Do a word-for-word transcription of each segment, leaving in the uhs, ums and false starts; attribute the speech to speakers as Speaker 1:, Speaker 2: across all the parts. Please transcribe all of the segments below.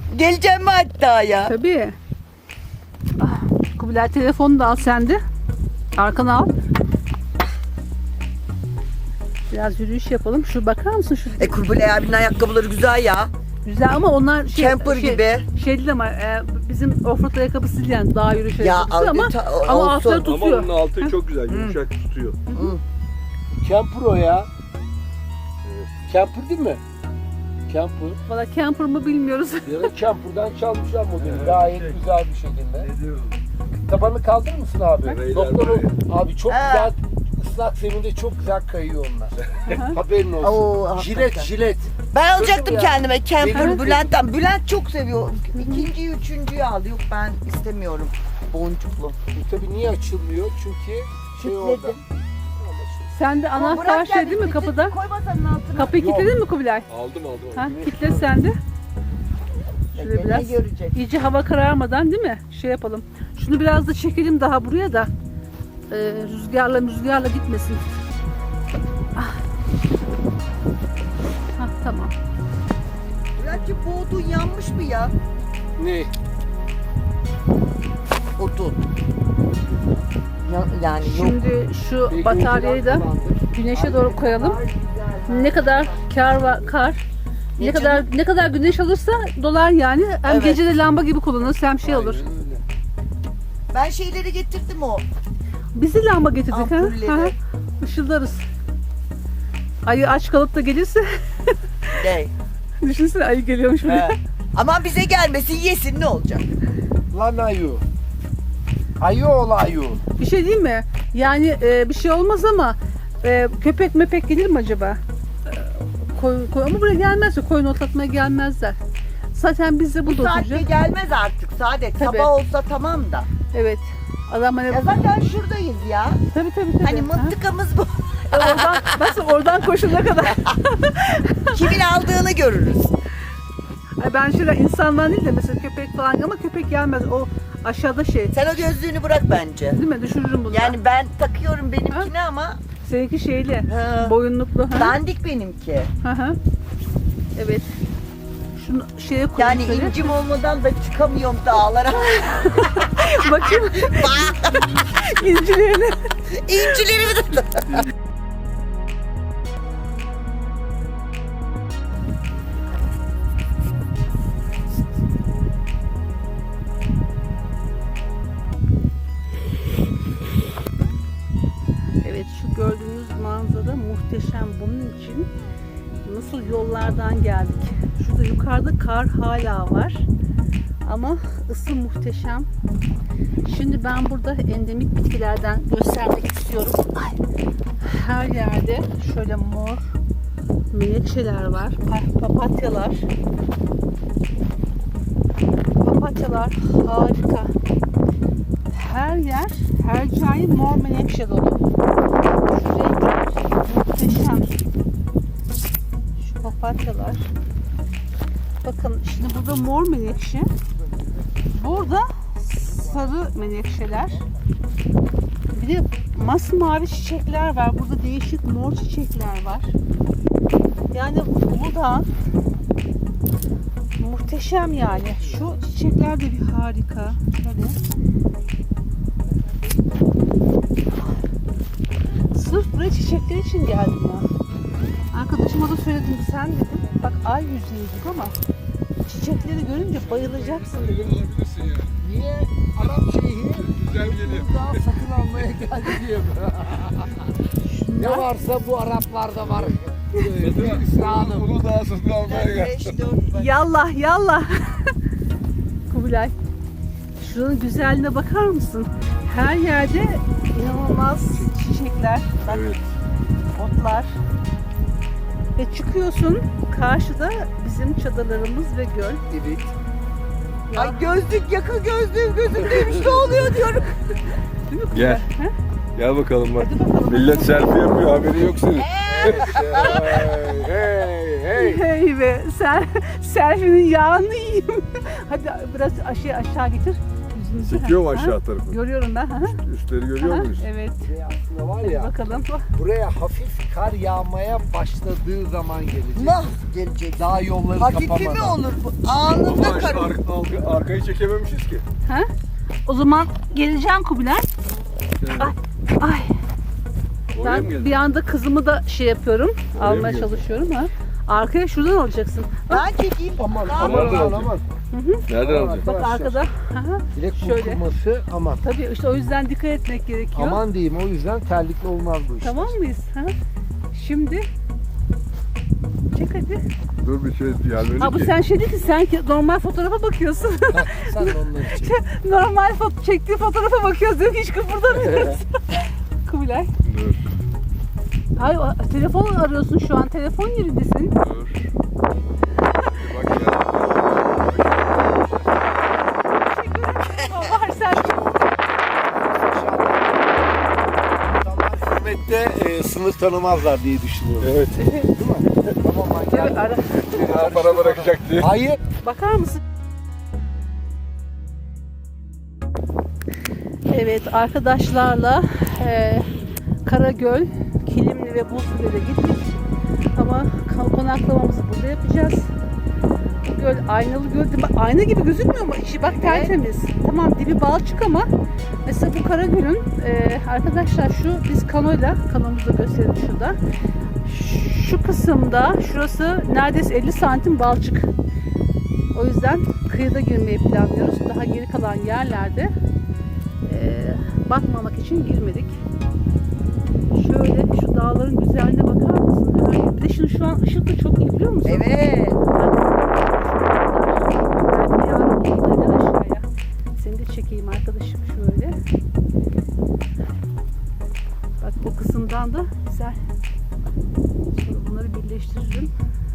Speaker 1: Geleceğim mi hatta ya?
Speaker 2: Tabii. Ah, Kubilay telefonu da al sen de. Arkana al. Biraz yürüyüş yapalım. Şu bakar mısın şu?
Speaker 1: E Kubilay abinin ayakkabıları güzel ya.
Speaker 2: Güzel ama onlar şey,
Speaker 1: Camper
Speaker 2: şey,
Speaker 1: gibi.
Speaker 2: Şey değil ama e, bizim offroad ayakkabısı değil yani dağ yürüyüş
Speaker 1: Ya,
Speaker 2: ayakkabısı ama
Speaker 1: ta-
Speaker 2: ama
Speaker 1: olsun.
Speaker 2: altları
Speaker 3: Ama
Speaker 2: tutuyor.
Speaker 3: onun altı çok güzel, yumuşak tutuyor.
Speaker 1: Hı.
Speaker 4: Camper o ya. Camper değil mi? Camper.
Speaker 2: Valla camper mı bilmiyoruz.
Speaker 4: Ya da camper'dan çalmışlar modeli. Gayet güzel bir şekilde. Tabanı kaldırır mısın abi?
Speaker 3: Beyler
Speaker 4: Doktor
Speaker 3: buraya.
Speaker 4: abi çok
Speaker 1: Ha.
Speaker 4: güzel ıslak zeminde çok güzel kayıyor onlar. Haberin olsun.
Speaker 1: Oo,
Speaker 4: jilet
Speaker 1: hakikaten.
Speaker 4: jilet.
Speaker 1: Ben alacaktım
Speaker 4: ya.
Speaker 1: kendime camper
Speaker 4: Benim-
Speaker 1: Bülent'ten. Bülent çok seviyor. İkinciyi, üçüncüyü aldı. Yok ben istemiyorum. Boncuklu.
Speaker 4: Bu tabii niye açılmıyor? Çünkü şey
Speaker 1: Kilitledim.
Speaker 4: orada.
Speaker 2: Sen de anahtar şey değil mi kapıda?
Speaker 1: Koy masanın altına.
Speaker 2: Kapıyı
Speaker 4: Yok.
Speaker 2: kilitledin mi Kubilay?
Speaker 3: Aldım aldım.
Speaker 2: Ha, kilitle sen de. Şöyle
Speaker 1: Ne
Speaker 2: biraz
Speaker 1: görecek?
Speaker 2: iyice hava kararmadan değil mi? Şey yapalım. Şunu biraz da çekelim daha buraya da e, rüzgarla rüzgarla gitmesin. Ah. Hah, tamam.
Speaker 1: Bülent'ciğim bu odun yanmış mı ya?
Speaker 4: Ne?
Speaker 1: Odun. Ya, yani yok.
Speaker 2: Şimdi şu
Speaker 4: Belki
Speaker 2: bataryayı da
Speaker 4: önceden kullandık.
Speaker 2: güneşe doğru koyalım. Ne kadar kar var kar. Ne
Speaker 1: Ne
Speaker 2: kadar ne kadar güneş alırsa dolar yani. Hem
Speaker 1: Evet.
Speaker 2: gece de lamba gibi kullanırız hem şey olur.
Speaker 4: Aynen öyle.
Speaker 1: Ben şeyleri getirdim o.
Speaker 2: Biz de lamba getirdik ha.
Speaker 1: Ampulleri.
Speaker 2: Ha, Işıldarız. Ayı aç kalıp da gelirse
Speaker 1: De.
Speaker 2: düşünsene ayı geliyormuş buraya.
Speaker 1: He. Aman bize gelmesin yesin ne olacak?
Speaker 4: Lan ayu. Ayu ol ayu.
Speaker 2: Bir şey değil mi? Yani e, bir şey olmaz ama e, köpek mepek gelir mi acaba? E, koyun, koyun, ama buraya gelmezse koyun otlatmaya gelmezler. Zaten biz de
Speaker 1: Bu
Speaker 2: burada
Speaker 1: saatte
Speaker 2: oturacağız.
Speaker 1: gelmez artık Saadet.
Speaker 2: Tabii.
Speaker 1: Sabah olsa tamam da.
Speaker 2: Evet. Adam hani
Speaker 1: Ya zaten şuradayız ya.
Speaker 2: tabii tabii tabii.
Speaker 1: Hani
Speaker 2: Ha?
Speaker 1: mıntıkamız bu.
Speaker 2: oradan nasıl oradan koşuna kadar.
Speaker 1: Kimin aldığını görürüz.
Speaker 2: Ay ben şöyle insanlar değil de mesela köpek falan ama köpek gelmez. O aşağıda şey.
Speaker 1: Sen o gözlüğünü bırak bence.
Speaker 2: Değil mi? Düşürürüm bunu.
Speaker 1: Yani ben takıyorum benimkini ama
Speaker 2: Seninki şeyli.
Speaker 1: Ha.
Speaker 2: Boyunluklu. Ha?
Speaker 1: dandik benimki.
Speaker 2: Hı hı. Evet. Şunu şeye koy.
Speaker 1: Yani incim olmadan da çıkamıyorum dağlara.
Speaker 2: Bakayım incilerini.
Speaker 1: İncilerimi de...
Speaker 2: Evet şu gördüğünüz manzara muhteşem. Bunun için nasıl yollardan geldik. Şurada yukarıda kar hala var. Ama ısı muhteşem. Şimdi ben burada endemik bitkilerden göstermek istiyorum. Ay. Her yerde şöyle mor menekşeler var. Pa- Papatyalar. Papatyalar harika. Her yer, her cayı mor menekşe dolu. Şu renkler muhteşem. Şu papatyalar. Bakın şimdi burada mor menekşe. Burada sarı menekşeler. Bir de masmavi çiçekler var. Burada değişik mor çiçekler var. Yani Uludağ muhteşem yani. Şu çiçekler de bir harika. Şöyle. Sırf buraya çiçekler için geldim ya. Arkadaşıma da söyledim, sen dedim bak ay yüzüydük ama çiçekleri görünce bayılacaksın dedim.
Speaker 4: Niye Arap şeyhi
Speaker 3: Güzel geliyor.
Speaker 4: daha satın almaya geldi diye mi? Ne varsa bu Araplarda var. İslam'ım.
Speaker 3: Onu daha satın almaya geldim.
Speaker 1: beş dört var.
Speaker 2: Yallah yallah. Kubilay. Şuranın güzelliğine bakar mısın? Her yerde inanılmaz çiçekler, bak,
Speaker 3: Evet.
Speaker 2: otlar. Ve çıkıyorsun karşıda bizim çadırlarımız ve göl.
Speaker 4: Evet.
Speaker 2: Ya,
Speaker 1: Ay gözlük yaka gözlüğüm gözümdeymiş ne oluyor diyorum.
Speaker 2: değil mi Kubilay?
Speaker 3: Gel.
Speaker 2: Ha?
Speaker 3: Gel bakalım bak.
Speaker 2: Hadi bakalım.
Speaker 3: Millet selfie yapıyor, haberi yok senin.
Speaker 4: Hey hey hey.
Speaker 2: Hey be, sen selfie'nin yağını yiyeyim. Hadi biraz aşağı aşağı getir. yüzünüzü.
Speaker 3: Çekiyor mu
Speaker 2: Ha?
Speaker 3: aşağı tarafı?
Speaker 2: Görüyorum ben. Ha?
Speaker 3: Üstleri görüyor
Speaker 2: Ha,
Speaker 3: muyuz?
Speaker 2: evet.
Speaker 4: Buraya aslında var
Speaker 2: Hadi
Speaker 4: ya,
Speaker 2: bakalım.
Speaker 4: buraya hafif kar yağmaya başladığı zaman gelecek.
Speaker 1: Nah gelecek.
Speaker 4: Daha yolları
Speaker 1: Hafifi
Speaker 4: kapamadan.
Speaker 1: mi olur bu?
Speaker 3: Ama
Speaker 1: Anında
Speaker 3: ar-
Speaker 1: kar.
Speaker 3: ar- ar- arkayı çekememişiz ki.
Speaker 2: Ha? O zaman geleceğim Kubilay. Ay. Ay.
Speaker 3: Oraya mı
Speaker 2: Ben
Speaker 3: geldin?
Speaker 2: bir anda kızımı da şey yapıyorum.
Speaker 3: Oraya mı
Speaker 2: almaya
Speaker 3: geldin?
Speaker 2: çalışıyorum ha. Arkaya şuradan alacaksın. Bak,
Speaker 1: Ben çekeyim.
Speaker 4: Aman
Speaker 1: Daha
Speaker 4: aman
Speaker 3: Nereden
Speaker 4: aman
Speaker 3: alacak?
Speaker 4: aman.
Speaker 3: Nereden alacağız?
Speaker 2: bak
Speaker 4: Arkadaşlar,
Speaker 2: arkada. Ha.
Speaker 4: Direkt
Speaker 2: Şöyle.
Speaker 4: burkulması aman.
Speaker 2: Tabii işte o yüzden dikkat etmek gerekiyor.
Speaker 4: Aman diyeyim, o yüzden terlikli olmaz bu iş.
Speaker 2: Tamam mıyız? Ha? Şimdi çek hadi.
Speaker 3: Dur bir şey gelmedi
Speaker 2: Ha bu
Speaker 3: ki.
Speaker 2: sen şey değil ki sen ki normal fotoğrafa bakıyorsun.
Speaker 4: Sen de onları çek.
Speaker 2: normal foto çektiği fotoğrafa bakıyoruz diyor ki hiç kıpırdamıyoruz. Kubilay.
Speaker 3: Dur.
Speaker 2: Hayır o- telefon arıyorsun şu an. Telefon yerindesin.
Speaker 3: Dur. Bir bak ya.
Speaker 2: Var sen.
Speaker 4: İnsanlar hürmette e, sınır tanımazlar diye düşünüyorum.
Speaker 3: Evet.
Speaker 4: Değil mi? Tamam ben
Speaker 2: Evet,
Speaker 4: geldim.
Speaker 2: ara.
Speaker 3: Bana bırakacak diye.
Speaker 4: Hayır.
Speaker 2: Bakar mısın? Evet arkadaşlarla e, Karagöl, Kilimli ve Buzlu'ya gittik. Ama kon- konaklamamızı burada yapacağız. Bu göl aynalı göl değil mi? Bak, ayna gibi gözükmüyor mu? İçi bak tertemiz. Tamam dibi balçık ama mesela bu Karagöl'ün e, arkadaşlar şu biz kanoyla, kanomuzu da gösterelim şurada. Şu kısımda şurası neredeyse elli santim balçık. O yüzden kıyıda girmeyi planlıyoruz. Daha geri kalan yerlerde eee batmamak için girmedik. Şöyle şu dağların güzelliğine bakar mısın? Her- Bir de şimdi şu an ışık da çok iyi biliyor musun?
Speaker 1: Evet.
Speaker 2: Belki yarın gidelim aşağıya. Seni de çekeyim arkadaşım şöyle. Bak bu kısımdan da güzel. Sonra bunları birleştiririm.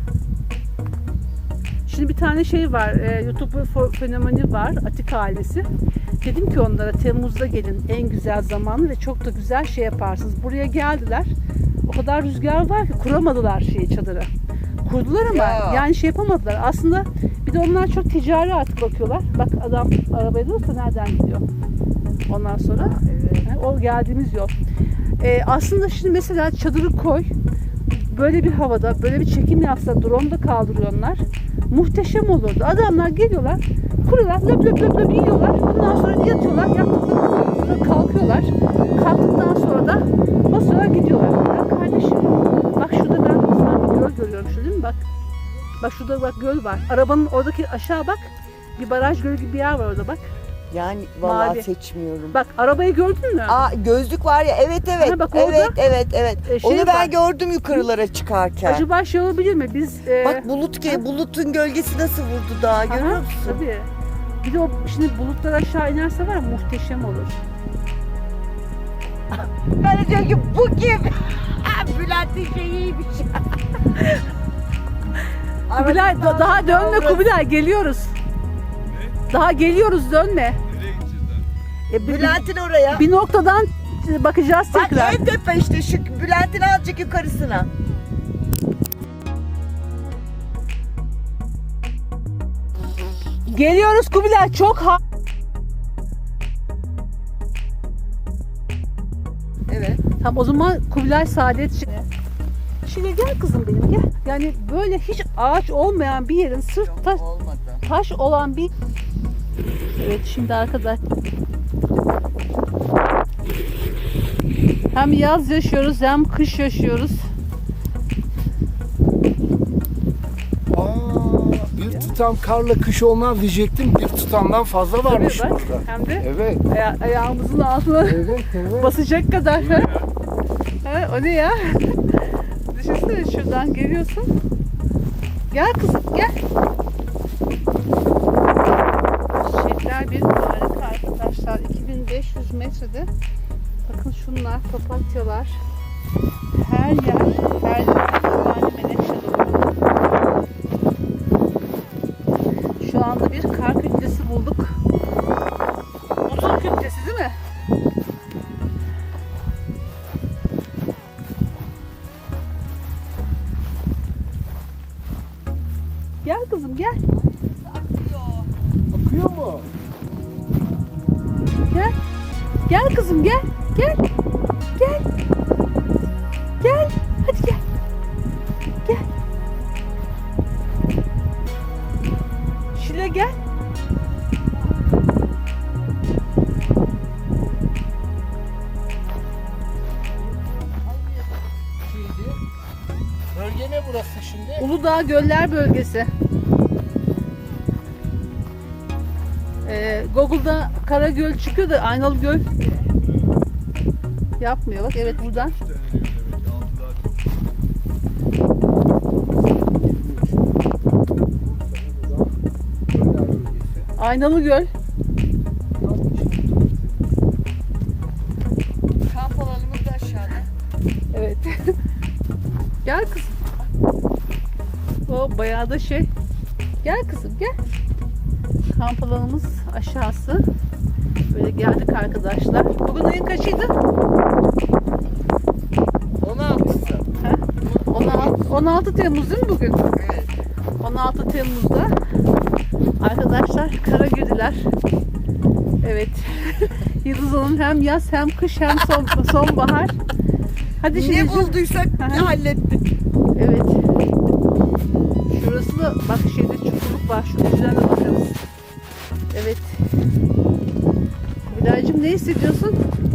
Speaker 2: Şimdi bir tane şey var, e, YouTube fo- fenomeni var, Atik ailesi. Dedim ki onlara Temmuz'da gelin en güzel zamanı ve çok da güzel şey yaparsınız. Buraya geldiler. O kadar rüzgar var ki kuramadılar şeyi çadırı. Kurdular ama
Speaker 1: Ya.
Speaker 2: yani şey yapamadılar. Aslında bir de onlar çok ticari artık bakıyorlar. Bak adam arabaya durursa nereden gidiyor? Ondan sonra
Speaker 1: Evet.
Speaker 2: yani o geldiğimiz yol. E, aslında şimdi mesela çadırı koy. Böyle bir havada böyle bir çekim yapsa drone da kaldırıyorlar. Muhteşem olurdu. Adamlar geliyorlar, kuruyorlar, löp löp löp löp yiyorlar. Ondan sonra yatıyorlar, yattıktan sonra kalkıyorlar. Kalktıktan sonra da basıyorlar gidiyorlar. Ya kardeşim, bak şurada ben sana bir göl görüyorum, şu değil mi? Bak, bak şurada bak göl var. Arabanın oradaki aşağı bak, bir baraj gölü gibi bir yer var orada bak.
Speaker 1: Yani vallahi
Speaker 2: Mavi.
Speaker 1: seçmiyorum.
Speaker 2: Bak arabayı gördün mü?
Speaker 1: Aa gözlük var ya, evet evet.
Speaker 2: Ha, bak orada,
Speaker 1: evet evet evet.
Speaker 2: e, şey
Speaker 1: Onu ben
Speaker 2: var.
Speaker 1: gördüm yukarılara çıkarken.
Speaker 2: Acaba şey olabilir mi? Biz e,
Speaker 1: Bak bulut ki bulutun gölgesi nasıl vurdu dağa, görüyor
Speaker 2: aha,
Speaker 1: musun?
Speaker 2: tabii. Bir de o şimdi bulutlar aşağı inerse var ya, muhteşem olur.
Speaker 1: Ben de diyorum ki bu kim? Bülent'in şeyiymiş.
Speaker 2: Kubilay da- daha dönme Kubilay, geliyoruz. Daha geliyoruz, dönme.
Speaker 3: Nereye gideceğiz lan?
Speaker 2: E, bir,
Speaker 1: Bülent'in oraya.
Speaker 2: bir noktadan bakacağız
Speaker 1: Bak
Speaker 2: tekrar.
Speaker 1: en tepe işte şu Bülent'in azıcık yukarısına.
Speaker 2: Geliyoruz Kubilay, çok ha.
Speaker 1: Evet.
Speaker 2: Tamam o zaman Kubilay Saadet Şile. Şile gel kızım benim gel. Yani böyle hiç ağaç olmayan bir yerin sırf taş,
Speaker 1: Olmadı.
Speaker 2: taş olan bir... Evet şimdi arkadaş. Hem yaz yaşıyoruz hem kış yaşıyoruz.
Speaker 4: Aa, bir tutam karla kış olmaz diyecektim. Bir tutamdan fazla varmış
Speaker 2: Tabii bak,
Speaker 4: burada.
Speaker 2: hem de
Speaker 4: Evet.
Speaker 2: aya- ayağımızın altına
Speaker 4: Evet, evet.
Speaker 2: basacak kadar. Ha? Ha, o ne ya? Düşünsene şuradan geliyorsun. Gel kızım gel. Çiçekler bir harika arkadaşlar. iki bin beş yüz metrede. Bakın şunlar papatyalar. Her yer, her yer yabani menekşe dolu. Şu anda bir kar kütlesi bulduk. Buzul kütlesi değil mi? Gel kızım gel.
Speaker 4: Akıyor mu?
Speaker 2: Gel kızım gel. Gel. Gel. Gel. Hadi gel. Gel. Şile gel.
Speaker 4: Şeydi. Bölge ne burası şimdi?
Speaker 2: Uludağ Göller Bölgesi. Ee, Google'da Karagöl çıkıyor da Aynalı Göl yapmıyor. Bak evet buradan. Aynalı Göl.
Speaker 1: Kamp alanımız da aşağıda.
Speaker 2: Evet. Gel kızım. O bayağı da şey. Gel kızım gel. Kamp alanımız aşağısı. Böyle geldik arkadaşlar. Bugün ayın kaçıydı?
Speaker 4: on altısı.
Speaker 2: Ha? on altı, on altı Temmuz değil mi bugün?
Speaker 1: Evet.
Speaker 2: on altı Temmuz'da arkadaşlar Karagödiler. Evet. Yıldız Hanım hem yaz hem kış hem son, sonbahar. Hadi
Speaker 1: Ne
Speaker 2: şimdi.
Speaker 1: bulduysak
Speaker 2: Aha.
Speaker 1: hallettik.
Speaker 2: Evet. Şurası da bak şeyde çukurluk var. Şu yüzden de bakarız. Evet. Kubilaycığım ne hissediyorsun?